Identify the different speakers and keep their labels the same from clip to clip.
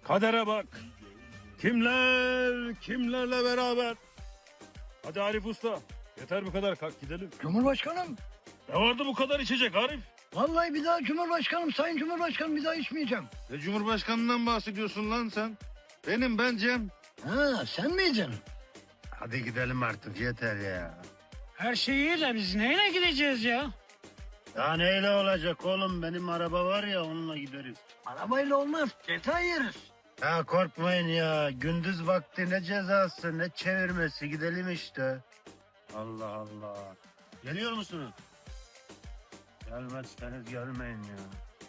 Speaker 1: Kadere bak. Kimler kimlerle beraber. Hadi Arif Usta. Yeter bu kadar, kalk gidelim.
Speaker 2: Cumhurbaşkanım.
Speaker 1: Ne vardı bu kadar içecek Arif?
Speaker 2: Vallahi bir daha Cumhurbaşkanım, Sayın Cumhurbaşkanım bir daha içmeyeceğim.
Speaker 3: Ne Cumhurbaşkanından bahsediyorsun lan sen? Ben Cem.
Speaker 2: Ha sen miydin?
Speaker 3: Hadi gidelim artık yeter ya.
Speaker 4: Her şey iyi de biz neyle gideceğiz ya?
Speaker 3: Ya neyle olacak oğlum, benim araba var ya onunla gideriz.
Speaker 2: Arabayla olmaz, ceza yeriz.
Speaker 3: Ya korkmayın ya, gündüz vakti ne cezası ne çevirmesi, gidelim işte. Allah Allah. Geliyor musunuz? Gelmezseniz gelmeyin ya.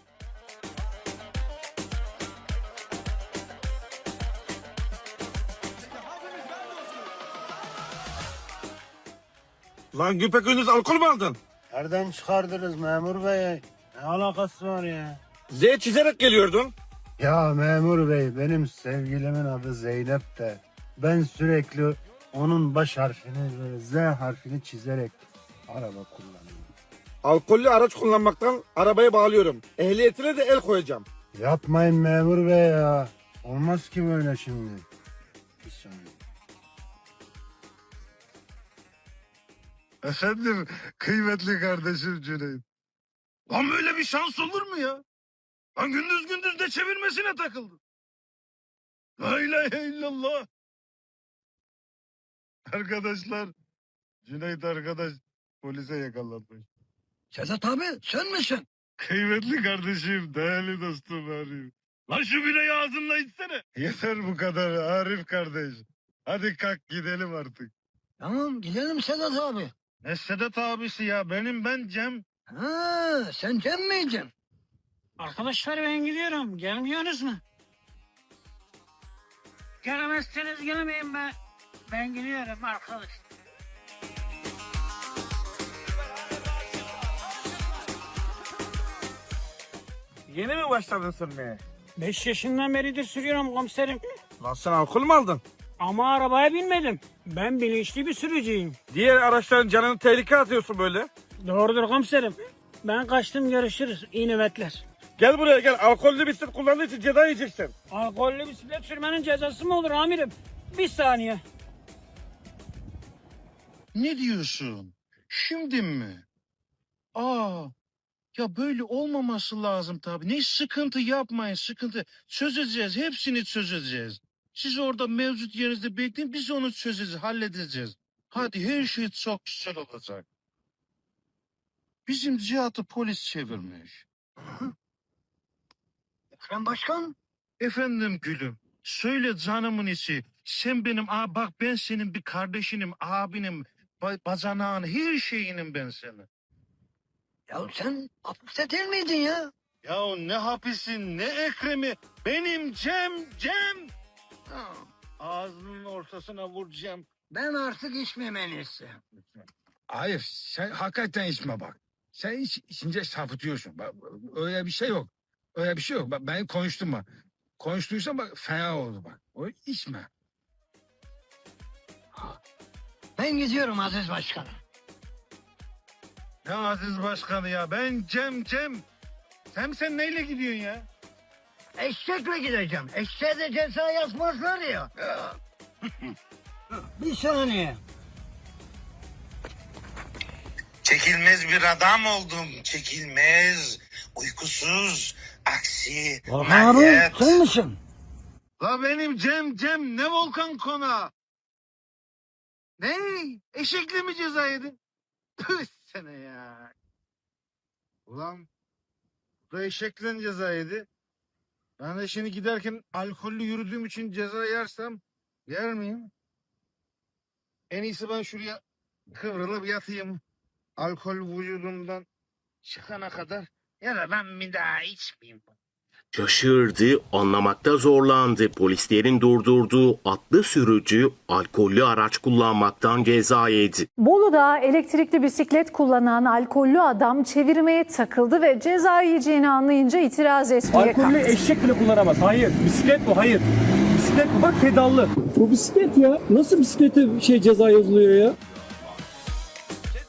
Speaker 5: Lan Güpekgündüz alkol mü aldın?
Speaker 3: Nereden çıkardınız memur bey? Ne alakası var ya?
Speaker 5: Z çizerek geliyordun.
Speaker 3: Ya memur bey, benim sevgilimin adı Zeynep de. Ben sürekli onun baş harfini ve Z harfini çizerek araba kullanıyorum.
Speaker 5: Alkollü araç kullanmaktan arabaya bağlıyorum. Ehliyetine de el koyacağım.
Speaker 3: Yapmayın memur bey ya. Olmaz ki böyle şimdi. Bir saniye.
Speaker 1: Efendim kıymetli kardeşim Cüneyt. Lan böyle bir şans olur mu ya? Lan gündüz gündüz de çevirmesine takıldı. La ilahe illallah. Arkadaşlar, Cüneyt arkadaş polise yakalanmış.
Speaker 2: Sedat abi sen misin?
Speaker 1: Kıymetli kardeşim, değerli dostum Arif. Lan şu bireyi ağzınla içsene. Yeter bu kadar Arif kardeş. Hadi kalk gidelim artık.
Speaker 2: Tamam gidelim Sedat abi.
Speaker 3: Ne Sedat abisi ya, ben Cem.
Speaker 2: Ha sen Cem miydin?
Speaker 4: Arkadaşlar ben gidiyorum. Gelmiyorsunuz mu? Gelemezseniz gelmeyin ben. Ben gidiyorum arkadaş.
Speaker 5: Yeni mi başladın sürmeye?
Speaker 4: 5 yaşından beridir sürüyorum komiserim.
Speaker 5: Lan sen alkol mü aldın?
Speaker 4: Ama arabaya binmedim. Ben bilinçli bir sürücüyüm.
Speaker 5: Diğer araçların canını tehlikeye atıyorsun böyle.
Speaker 4: Doğrudur komiserim. Ben kaçtım, görüşürüz. İyi nöbetler.
Speaker 5: Gel buraya gel. Alkollü bisiklet kullandığı için ceza yiyeceksin.
Speaker 4: Alkollü bisiklet sürmenin cezası mı olur amirim? Bir saniye.
Speaker 3: Ne diyorsun? Şimdi mi? Aa, ya böyle olmaması lazım tabii. Ne sıkıntı yapmayın, sıkıntı. Çözeceğiz, hepsini çözeceğiz. Siz orada mevcut yerinizde bekleyin, biz onu çözeceğiz, halledeceğiz. Hadi her şey çok güzel olacak. Bizim Cihat'ı polis çevirmiş.
Speaker 2: Ekrem Başkan.
Speaker 3: Efendim gülüm, söyle canımın içi. Sen benim, bak ben senin bir kardeşinim, abinim, bacanağın, her şeyinim ben senin.
Speaker 2: Ya sen hapiste değil miydin ya?
Speaker 3: Ya ne hapisin ne Ekrem'i, benim Cem. Ha, ağzının ortasına vuracağım.
Speaker 2: Ben artık içmeyeyim en iyisi.
Speaker 6: Hayır, sen hakikaten içme bak. Sen içince sapıtıyorsun. Bak, öyle bir şey yok. Öyle bir şey yok. Bak, ben konuştum bak. Konuştuysam bak fena oldu bak. O içme.
Speaker 2: Ben gidiyorum Aziz Başkanım.
Speaker 3: Ne Aziz Başkanı ya, ben Cem. Sen neyle gidiyorsun ya?
Speaker 2: Eşekle gideceğim. Eşeğe de ceza yazmazlar ya. Bir saniye.
Speaker 7: Çekilmez bir adam oldum, çekilmez, uykusuz, aksi,
Speaker 2: Volkan abi
Speaker 7: manyak.
Speaker 2: sen misin?
Speaker 3: La benim Cem, ne Volkan Konağı? Ne? Eşekle mi ceza yedin? Tüh sene ya. Ulan bu da eşekle ceza yedi. Ben de şimdi giderken alkollü yürüdüğüm için ceza yersem yer miyim? En iyisi ben şuraya kıvrılıp yatayım. Alkol vücudumdan çıkana kadar, ya da ben bir daha içmeyeyim.
Speaker 8: Şaşırdı, anlamakta zorlandı. Polislerin durdurduğu atlı sürücü alkollü araç kullanmaktan ceza yedi.
Speaker 9: Bolu'da elektrikli bisiklet kullanan alkollü adam çevirmeye takıldı ve ceza yiyeceğini anlayınca itiraz etmeye kalktı.
Speaker 10: Eşek bile kullanamaz. Hayır. Bisiklet bu. Hayır. Bisiklet bu. Bak pedallı. Bu bisiklet ya. Nasıl bisiklete ceza yazılıyor ya?